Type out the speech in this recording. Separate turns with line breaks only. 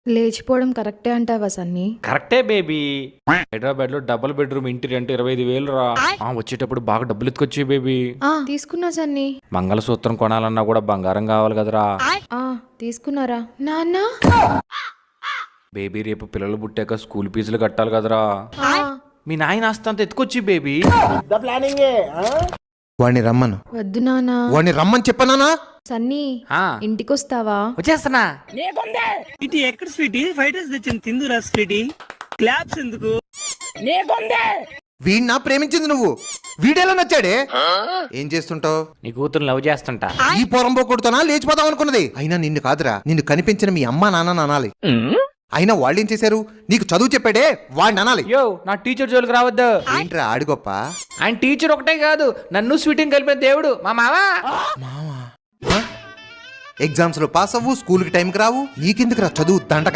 లేచిపోవడం కరెక్టే అంటావా సన్నీ?
కరెక్టే బేబీ. హైదరాబాద్ లో డబుల్ బెడ్రూమ్ ఇంటి రెంట్ 25,000 రా. వచ్చేటప్పుడు బాగా డబ్బులు ఎత్తుకొచ్చి బేబీ.
తీసుకున్నా సన్నీ.
మంగళసూత్రం కొనాలన్నా కూడా బంగారం కావాలి కదరా.
తీసుకున్నారా నాన్న?
బేబీ రేపు పిల్లలు పుట్టాక స్కూల్ ఫీజులు కట్టాలి కదరా. మీ నాయన ఆస్తంత ఎత్తుకొచ్చి బేబీ.
వాడిని రమ్మను.
వద్దు నాన్న.
వాడిని రమ్మని చెప్పనానా?
సన్నీ ఇంటికొస్తావా?
వచ్చేస్తున్నా.
స్వీటీ ఎక్కడ స్వీటీ? ఫ్రైడ్ రైస్ తెచ్చింది తిందురా స్వీటీ. క్లాప్స్ ఎందుకు?
వీడినా ప్రేమించింది నువ్వు? వీడెలా నచ్చాడే? ఏం చేస్తుంటావు?
నీ కూతురు లవ్ చేస్తుంటా.
ఈ పొరంబో కొడుతానా లేచిపోతాం అనుకున్నది. అయినా నిన్ను కాదురా, నిన్ను కనిపించిన మీ అమ్మా నాన్న అనాలి. అయినా వాళ్ళేం చేశారు? నీకు చదువు చెప్పాడే వాడిని అనాలి.
యో నా టీచర్ జోలికి రావద్దు.
ఏంట్రా ఆడు గొప్ప?
ఆయన టీచర్ ఒకటే కాదు, నన్ను స్వీటింగ్ కలిపిన దేవుడు మా మావా.
ఎగ్జామ్స్ లో పాస్ అవ్వు, స్కూల్ కి టైంకి రావు, నీకెందుకురా చదువు దండక.